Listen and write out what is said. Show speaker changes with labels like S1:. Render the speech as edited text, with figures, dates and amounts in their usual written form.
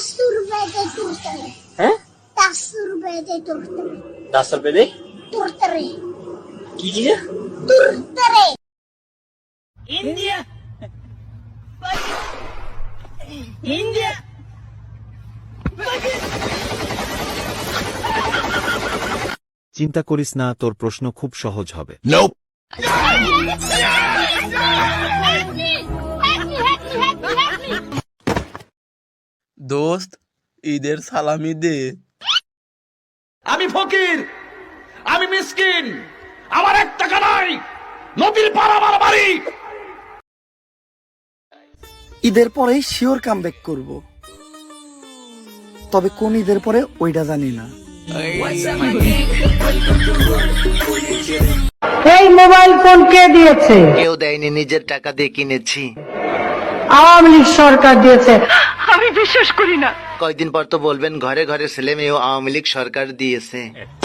S1: 10 रुपए दे तुरतरे
S2: हैं
S1: 10 रुपए दे तुरतरे
S2: 10 रुपए दे
S1: तुरतरे
S2: की चीज है
S1: तुरतरे
S3: India. India.
S4: চিন্তা করিস না, তোর প্রশ্ন খুব সহজ হবে।
S5: দোস্ত, ঈদের সালামি দে।
S6: আমি ফকির, আমি মিসকিন, আমার 1 টাকা নাই, নদীর পার আমার বাড়ি।
S7: ঈদের পরেই শিওর কামব্যাক করব, তবে কোন ঈদের পরে ওইটা জানি না।
S8: এই মোবাইল ফোন কে দিয়েছে?
S9: কেউ দেয়নি, নিজের টাকা দিয়ে কিনেছি।
S8: আওয়ামী লীগ সরকার দিয়েছে। আমি বিশ্বাস করি না।
S9: কয়েকদিন পর তো বলবেন ঘরে ঘরে ছেলে মেয়েও আওয়ামী লীগ সরকার দিয়েছে।